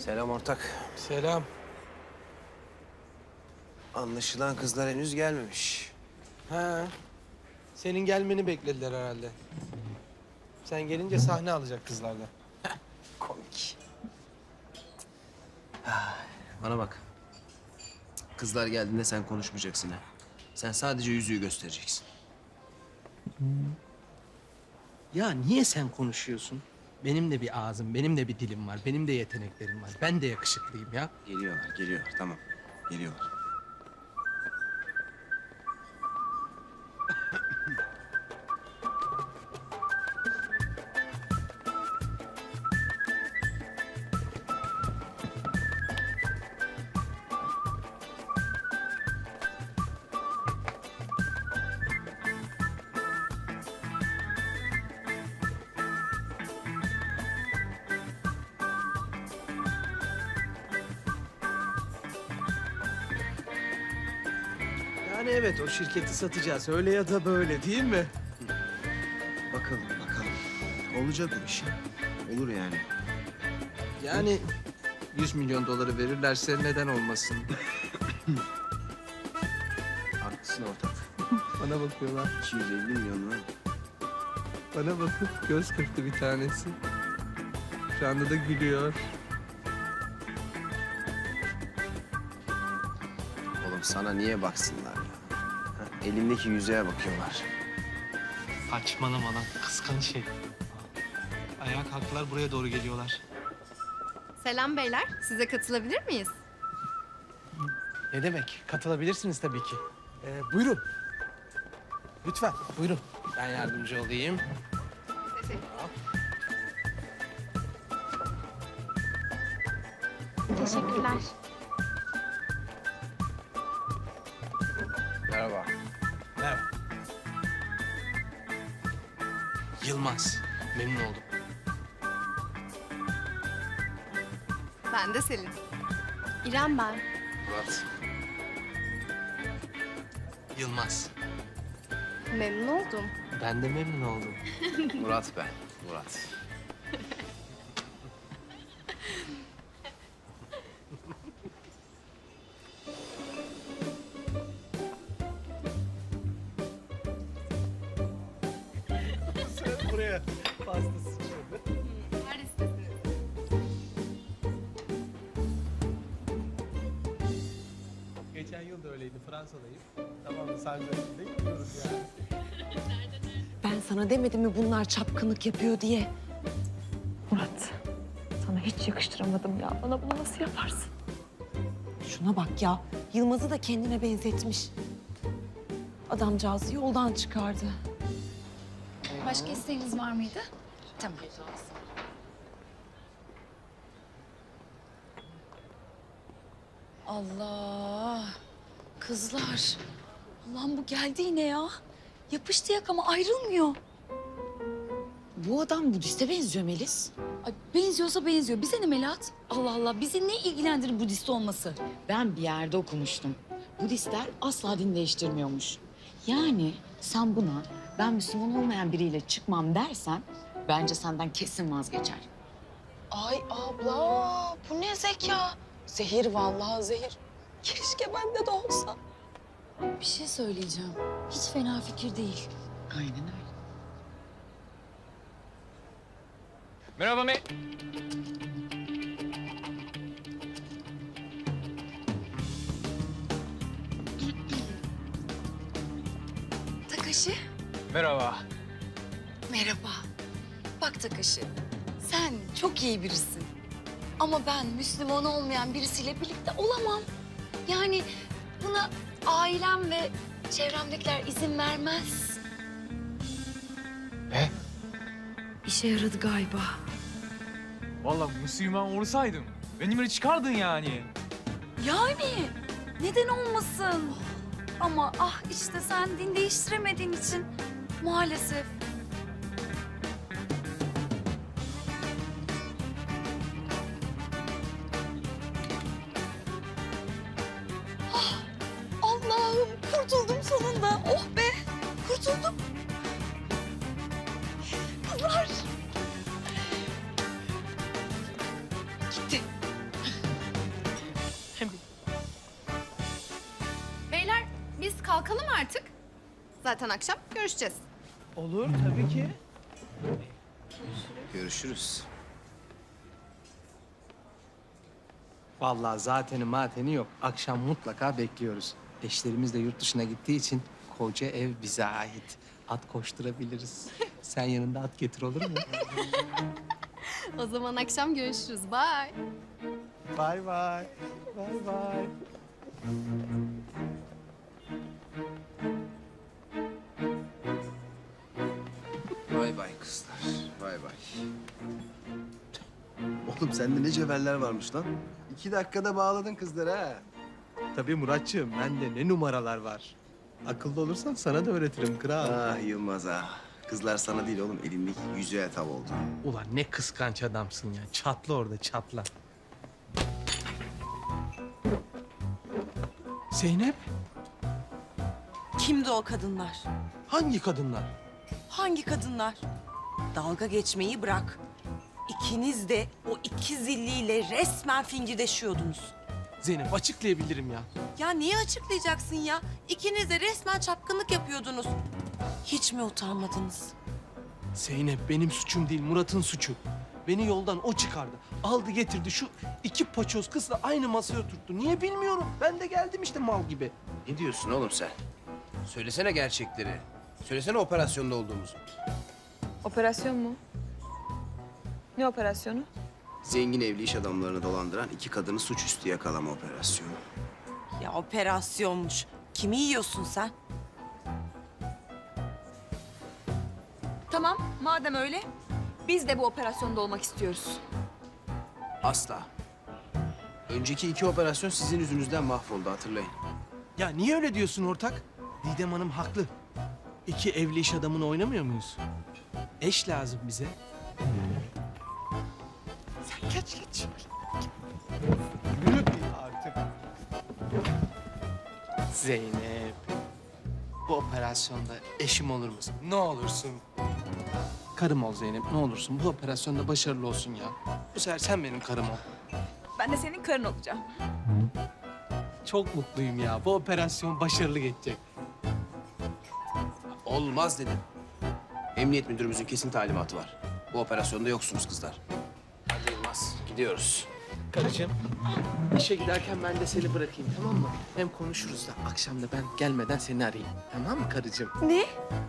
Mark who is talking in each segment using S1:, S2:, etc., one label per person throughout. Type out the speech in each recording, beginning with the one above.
S1: Selam ortak.
S2: Selam.
S1: Anlaşılan kızlar henüz gelmemiş.
S2: Ha. Senin gelmeni beklediler herhalde. Sen gelince sahne alacak kızlardan.
S1: Komik. Bana bak. Kızlar geldiğinde sen konuşmayacaksın ha. Sen sadece yüzüğü göstereceksin.
S2: Ya niye sen konuşuyorsun? Benim de bir ağzım, benim de bir dilim var, benim de yeteneklerim var. Ben de yakışıklıyım ya.
S1: Geliyorlar. Tamam. Geliyorlar.
S2: Yani evet, o şirketi satacağız. Öyle ya da böyle, değil mi?
S1: Bakalım. Olacak o iş. Olur yani.
S2: Yani 100 milyon doları verirlerse neden olmasın?
S1: Haklısın ortak.
S2: Bana bakıyorlar.
S1: 250 milyon mu?
S2: Bana bakıp göz kırptı bir tanesi. Şu anda da gülüyor.
S1: Oğlum sana niye baksınlar ya? Ha, elimdeki yüzüğe bakıyorlar.
S2: Saçmalama lan, kıskanç şey. Ayağa kalktılar, buraya doğru geliyorlar.
S3: Selam beyler, size katılabilir miyiz?
S2: Ne demek? Katılabilirsiniz tabii ki. Buyurun. Lütfen, buyurun. Ben yardımcı olayım.
S4: Teşekkürler.
S1: Merhaba.
S2: Merhaba. Yılmaz, memnun oldum.
S3: Ben de Selin.
S4: İrem ben.
S1: Murat.
S2: Yılmaz,
S3: Memnun oldum.
S2: ben de memnun oldum.
S1: Murat ben. Murat.
S2: Buraya fazla sıçradı.
S3: Paris'tesiniz.
S2: Geçen yıl da öyleydi, Fransa'dayım. Tamam mı? Sancak'ta gidiyoruz yani.
S5: Ben sana demedim mi bunlar çapkınlık yapıyor diye?
S4: Murat, sana hiç yakıştıramadım ya. Bana bunu nasıl yaparsın?
S5: Şuna bak ya, Yılmaz'ı da kendine benzetmiş. Adamcağızı yoldan çıkardı.
S6: Başka isteğiniz var mıydı? Tamam. Allah! Kızlar! Ulan bu geldi yine ya. Yapıştı yakama ayrılmıyor.
S5: Bu adam Budist'e benziyor Melis.
S6: Ay, benziyorsa benziyor. Bize ne Melahat? Allah Allah bizi ne ilgilendirir Budist olması?
S7: Ben bir yerde okumuştum. Budistler asla din değiştirmiyormuş. Yani sen buna ben Müslüman olmayan biriyle çıkmam dersen bence senden kesin vazgeçer.
S5: Ay abla, bu ne zeka? Zehir vallahi zehir. Keşke bende de olsa.
S6: Bir şey söyleyeceğim. Hiç fena fikir değil.
S7: Aynen öyle.
S8: Merhaba
S6: Takashi.
S8: Merhaba.
S6: Merhaba. Bak Takashi, sen çok iyi birisin. Ama ben Müslüman olmayan birisiyle birlikte olamam. Yani buna ailem ve çevremdekiler izin vermez.
S8: Ne?
S6: İşe yaradı galiba.
S8: Vallahi Müslüman olsaydım benimle çıkardın yani.
S6: Yani neden olmasın? Ama ah işte sen din değiştiremediğin için maalesef. Ah, Allah'ım kurtuldum sonunda. Oh be kurtuldum. Kızlar. Gitti.
S3: kalkalım artık. Zaten akşam görüşeceğiz.
S2: Olur tabii ki.
S1: Görüşürüz.
S2: Vallahi zateni mateni yok. Akşam mutlaka bekliyoruz. Eşlerimiz de yurt dışına gittiği için koca ev bize ait. At koşturabiliriz. Sen yanında at getir olur mu?
S3: O zaman akşam görüşürüz. Bye.
S2: Bay bay. Bay bay.
S1: Bay bay kızlar. Bay bay. Oğlum sende ne cevherler varmış lan. 2 dakikada bağladın kızları ha.
S2: Tabii Muratçığım, bende ne numaralar var. Akıllı olursan sana da öğretirim kral.
S1: Ah Yılmaz ah. Kızlar sana değil oğlum elindeki yüzüğe tav oldu.
S2: Ulan ne kıskanç adamsın ya. Çatla orada çatla. Zeynep,
S9: Kimdi o kadınlar?
S2: hangi kadınlar?
S9: Hangi kadınlar? Dalga geçmeyi bırak. İkiniz de o iki zilliyle resmen fingirdeşiyordunuz.
S2: Zeynep açıklayabilirim ya.
S9: Ya niye açıklayacaksın ya? İkiniz de resmen çapkınlık yapıyordunuz. Hiç mi utanmadınız?
S2: Zeynep benim suçum değil, Murat'ın suçu. Beni yoldan o çıkardı. Aldı getirdi şu 2 paçoz kızla aynı masaya oturttu. Niye bilmiyorum. Ben de geldim işte mal gibi.
S1: Ne diyorsun oğlum sen? Söylesene gerçekleri. Söylesene operasyonda olduğumuzu.
S4: Operasyon mu? Ne operasyonu?
S1: Zengin evli iş adamlarını dolandıran 2 kadını suçüstü yakalama operasyonu.
S9: Ya operasyonmuş. Kimi yiyorsun sen?
S4: Tamam, madem öyle biz de bu operasyonda olmak istiyoruz.
S1: Asla. Önceki 2 operasyon sizin yüzünüzden mahvoldu hatırlayın.
S2: Ya niye öyle diyorsun ortak? Didem Hanım haklı. 2 evli iş adamını oynamıyor muyuz? Eş lazım bize. Sen geç. Yürü artık. Zeynep. Bu operasyonda eşim olur musun? Ne olursun. Karım ol Zeynep, ne olursun. Bu operasyonda başarılı olsun ya. Bu sefer sen benim karım ol.
S4: Ben de senin karın olacağım.
S2: Çok mutluyum ya. Bu operasyon başarılı geçecek.
S1: Olmaz dedim. Emniyet müdürümüzün kesin talimatı var. Bu operasyonda yoksunuz kızlar. Hadi Yılmaz gidiyoruz.
S2: Karıcığım, işe giderken ben de seni bırakayım tamam mı? Hem konuşuruz da akşam da ben gelmeden seni arayayım. Tamam mı karıcığım?
S9: Ne?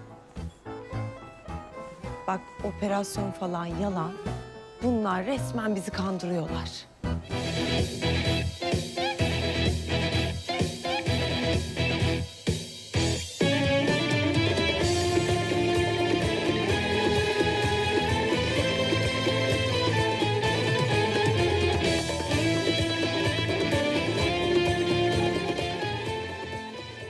S9: Bak operasyon falan yalan. Bunlar resmen bizi kandırıyorlar.